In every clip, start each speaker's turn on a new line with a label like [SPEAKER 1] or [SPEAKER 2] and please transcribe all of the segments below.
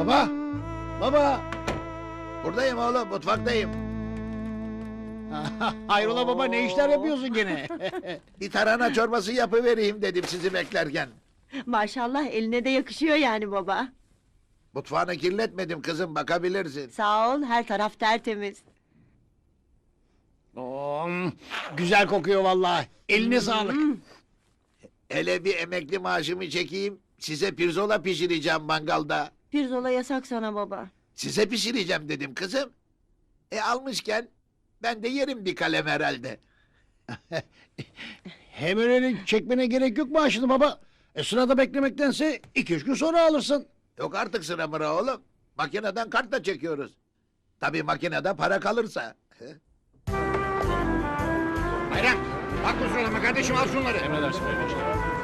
[SPEAKER 1] Baba! Baba!
[SPEAKER 2] Buradayım oğlum, mutfaktayım.
[SPEAKER 1] Hayrola baba, ne işler yapıyorsun gene?
[SPEAKER 2] Bir tarhana çorbası yapıvereyim dedim sizi beklerken.
[SPEAKER 3] Maşallah eline de yakışıyor yani baba.
[SPEAKER 2] Mutfağını kirletmedim kızım, bakabilirsin.
[SPEAKER 3] Sağ ol, her taraf tertemiz.
[SPEAKER 1] Güzel kokuyor vallahi. Eline sağlık.
[SPEAKER 2] Hele bir emekli maaşımı çekeyim, size pirzola pişireceğim mangalda.
[SPEAKER 3] Pirzola yasak sana baba.
[SPEAKER 2] Size pişireceğim dedim kızım. Almışken ben de yerim bir kalem herhalde.
[SPEAKER 1] Hem öyle çekmene gerek yok maaşını baba. Sırada beklemektense 2-3 gün sonra alırsın.
[SPEAKER 2] Yok artık sıra mıra oğlum. Makineden kartla çekiyoruz. Tabii makinede para kalırsa.
[SPEAKER 4] Bayram, bak bu sıralama kardeşim, al şunları.
[SPEAKER 5] Emredersin kardeşim.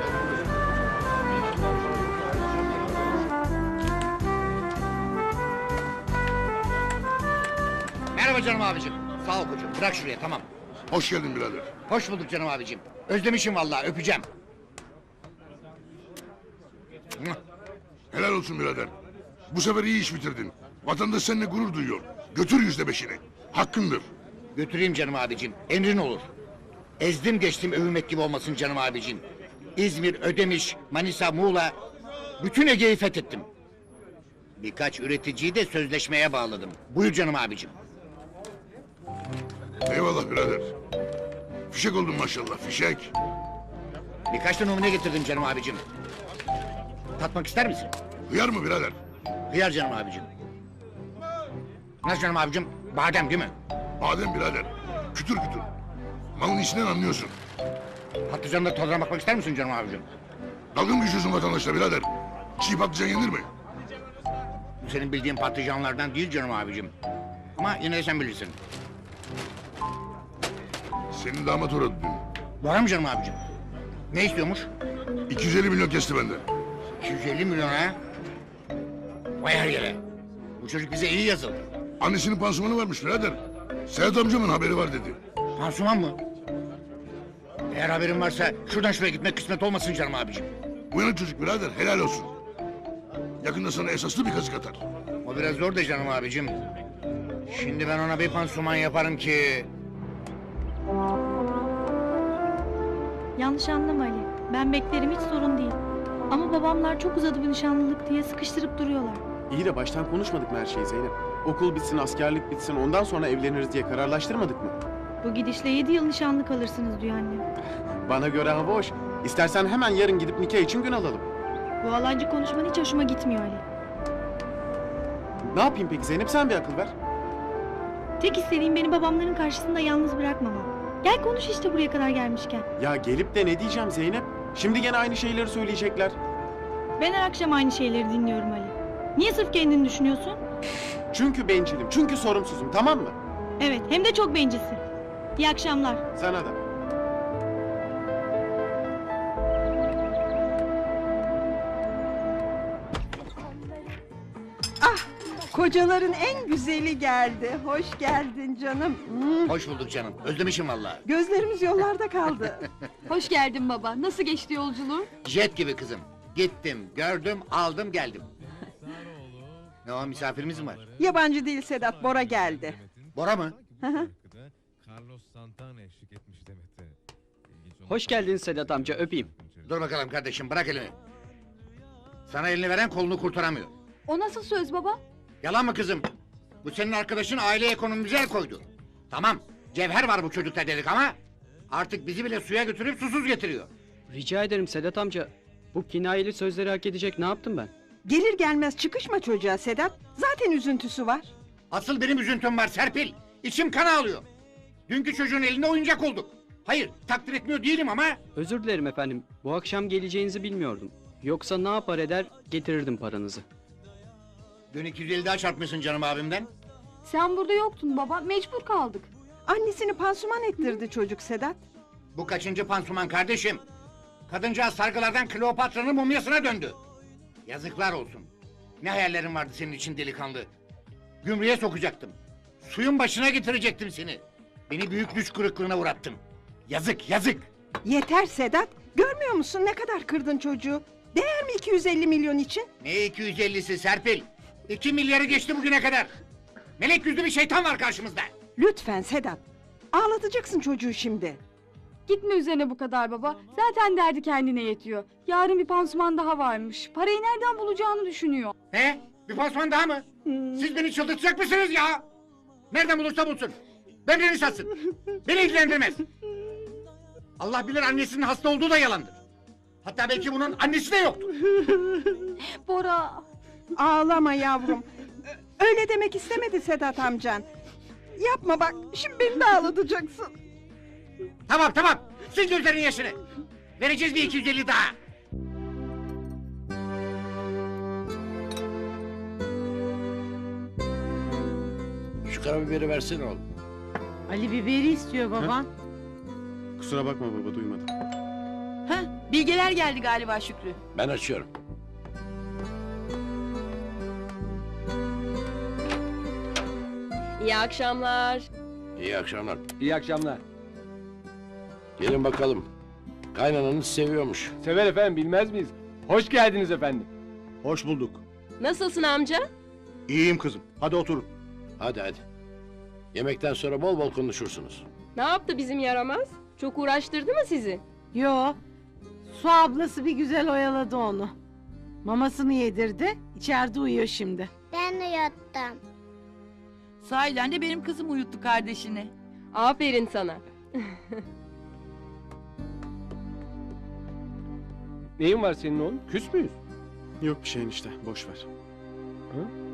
[SPEAKER 4] Merhaba canım abicim. Sağ ol koçum, bırak şuraya, tamam.
[SPEAKER 6] Hoş geldin birader.
[SPEAKER 4] Hoş bulduk canım abicim. Özlemişim vallahi, öpeceğim.
[SPEAKER 6] Helal olsun birader. Bu sefer iyi iş bitirdin. Vatandaş seninle gurur duyuyor. Götür %5'ini. Hakkındır.
[SPEAKER 4] Götüreyim canım abicim, emrin olur. Ezdim geçtim, övülmek gibi olmasın canım abicim. İzmir, Ödemiş, Manisa, Muğla... bütün Ege'yi fethettim. Birkaç üreticiyi de sözleşmeye bağladım. Buyur canım abicim.
[SPEAKER 6] Eyvallah birader. Fişek oldun maşallah, fişek.
[SPEAKER 4] Birkaç da numune getirdim canım abicim. Tatmak ister misin?
[SPEAKER 6] Hıyar mı birader?
[SPEAKER 4] Hıyar canım abicim. Nasıl canım abicim? Badem değil mi?
[SPEAKER 6] Badem birader. Kütür kütür. Malın içinden anlıyorsun.
[SPEAKER 4] Patlıcanla tadına bakmak ister misin canım abicim?
[SPEAKER 6] Dalga mı geçiyorsun vatandaşla birader? Çiğ patlıcan yenir mi?
[SPEAKER 4] Bu senin bildiğin patlıcanlardan değil canım abicim. Ama yine de sen bilirsin.
[SPEAKER 6] Senin damat uğradı dün.
[SPEAKER 4] Var mı canım abicim? Ne istiyormuş?
[SPEAKER 6] 250 milyon kesti benden.
[SPEAKER 4] 250 milyon ha? Vay her yere. Bu çocuk bize iyi yazıldı.
[SPEAKER 6] Annesinin pansumanı varmış birader. Sedat amcamın haberi var dedi.
[SPEAKER 4] Pansuman mı? Eğer haberin varsa şuradan şuraya gitmek kısmet olmasın canım abicim.
[SPEAKER 6] Uyanık çocuk birader, helal olsun. Yakında sana esaslı bir kazık atar.
[SPEAKER 4] O biraz zor da canım abicim. Şimdi ben ona bir pansuman yaparım ki...
[SPEAKER 7] Yanlış anlama Ali. Ben beklerim, hiç sorun değil. Ama babamlar çok uzadı bu nişanlılık diye sıkıştırıp duruyorlar.
[SPEAKER 5] İyi de baştan konuşmadık mı her şeyi Zeynep? Okul bitsin, askerlik bitsin, ondan sonra evleniriz diye kararlaştırmadık mı?
[SPEAKER 7] Bu gidişle 7 yıl nişanlı kalırsınız diyor annem.
[SPEAKER 5] Bana göre hava hoş. İstersen hemen yarın gidip nikah için gün alalım.
[SPEAKER 7] Bu alancı konuşman hiç hoşuma gitmiyor Ali.
[SPEAKER 5] Ne yapayım peki Zeynep, sen bir akıl ver.
[SPEAKER 7] Tek istediğim beni babamların karşısında yalnız bırakmamam. Gel konuş işte buraya kadar gelmişken.
[SPEAKER 5] Ya gelip de ne diyeceğim Zeynep? Şimdi gene aynı şeyleri söyleyecekler.
[SPEAKER 7] Ben her akşam aynı şeyleri dinliyorum Ali. Niye sırf kendini düşünüyorsun?
[SPEAKER 5] Çünkü bencilim, çünkü sorumsuzum, tamam mı?
[SPEAKER 7] Evet, hem de çok bencilsin. İyi akşamlar.
[SPEAKER 5] Sana da.
[SPEAKER 3] Kocaların en güzeli geldi. Hoş geldin canım.
[SPEAKER 4] Hoş bulduk canım. Özlemişim vallahi.
[SPEAKER 3] Gözlerimiz yollarda kaldı.
[SPEAKER 8] Hoş geldin baba. Nasıl geçti yolculuğun?
[SPEAKER 4] Jet gibi kızım. Gittim, gördüm, aldım, geldim. Ne o, misafirimiz mi var?
[SPEAKER 3] Yabancı değil Sedat, Bora geldi.
[SPEAKER 4] Bora mı?
[SPEAKER 9] Carlos Santana eşlik etmiş Demet'e.
[SPEAKER 10] Hoş geldin Sedat amca, öpeyim.
[SPEAKER 4] Dur bakalım kardeşim, bırak elini. Sana elini veren kolunu kurtaramıyor.
[SPEAKER 8] O nasıl söz baba?
[SPEAKER 4] Yalan mı kızım? Bu senin arkadaşın aile ekonomimize el koydu. Tamam, cevher var bu çocukta dedik ama... ...artık bizi bile suya götürüp susuz getiriyor.
[SPEAKER 10] Rica ederim Sedat amca. Bu kinayeli sözleri hak edecek ne yaptım ben?
[SPEAKER 3] Gelir gelmez çıkışma çocuğa Sedat. Zaten üzüntüsü var.
[SPEAKER 4] Asıl benim üzüntüm var Serpil. İçim kan ağlıyor. Dünkü çocuğun eline oyuncak olduk. Hayır, takdir etmiyor değilim ama...
[SPEAKER 10] Özür dilerim efendim. Bu akşam geleceğinizi bilmiyordum. Yoksa ne yapar eder getirirdim paranızı.
[SPEAKER 4] Dün 250 daha çarpmışsın canım abimden.
[SPEAKER 8] Sen burada yoktun baba. Mecbur kaldık.
[SPEAKER 3] Annesini pansuman ettirdi çocuk Sedat.
[SPEAKER 4] Bu kaçıncı pansuman kardeşim? Kadıncağız sargılardan Kleopatra'nın mumyasına döndü. Yazıklar olsun. Ne hayallerin vardı senin için delikanlı. Gümrüğe sokacaktım. Suyun başına getirecektim seni. Beni büyük düş kırıklığına uğrattın. Yazık, yazık.
[SPEAKER 3] Yeter Sedat. Görmüyor musun ne kadar kırdın çocuğu? Değer mi 250 milyon için?
[SPEAKER 4] Ne 250'si Serpil? 2 milyarı geçti bugüne kadar. Melek yüzlü bir şeytan var karşımızda.
[SPEAKER 3] Lütfen Sedat. Ağlatacaksın çocuğu şimdi.
[SPEAKER 8] Gitme üzerine bu kadar baba. Zaten derdi kendine yetiyor. Yarın bir pansuman daha varmış. Parayı nereden bulacağını düşünüyor.
[SPEAKER 4] He? Bir pansuman daha mı? Siz beni çıldırtacak mısınız ya? Nereden bulursa bulsun. Böbreğini satsın. Beni ilgilendirmez. Allah bilir annesinin hasta olduğu da yalandır. Hatta belki bunun annesi de yoktur.
[SPEAKER 8] Bora.
[SPEAKER 3] Ağlama yavrum. Öyle demek istemedi Sedat amcan. Yapma bak, şimdi beni de ağlatacaksın.
[SPEAKER 4] Tamam tamam. Sil gözlerin yaşını. Vereceğiz bir 250 daha.
[SPEAKER 2] Şu karabiberi versene oğlum.
[SPEAKER 11] Ali biberi istiyor baban.
[SPEAKER 5] Kusura bakma baba duymadım.
[SPEAKER 11] Bilgeler geldi galiba Şükrü.
[SPEAKER 2] Ben açıyorum.
[SPEAKER 11] İyi akşamlar.
[SPEAKER 2] İyi akşamlar.
[SPEAKER 10] İyi akşamlar.
[SPEAKER 2] Gelin bakalım. Kaynananız seviyormuş.
[SPEAKER 10] Sever efendim bilmez miyiz? Hoş geldiniz efendim.
[SPEAKER 1] Hoş bulduk.
[SPEAKER 11] Nasılsın amca?
[SPEAKER 1] İyiyim kızım. Hadi oturun.
[SPEAKER 2] Hadi hadi. Yemekten sonra bol bol konuşursunuz.
[SPEAKER 11] Ne yaptı bizim yaramaz? Çok uğraştırdı mı sizi?
[SPEAKER 12] Yo. Su ablası bir güzel oyaladı onu. Mamasını yedirdi. İçeride uyuyor şimdi.
[SPEAKER 7] Ben de yattım.
[SPEAKER 11] Sahiden de benim kızım uyuttu kardeşini. Aferin sana.
[SPEAKER 10] Neyin var senin oğlum? Küs müyüz?
[SPEAKER 5] Yok bir şey enişte boş ver.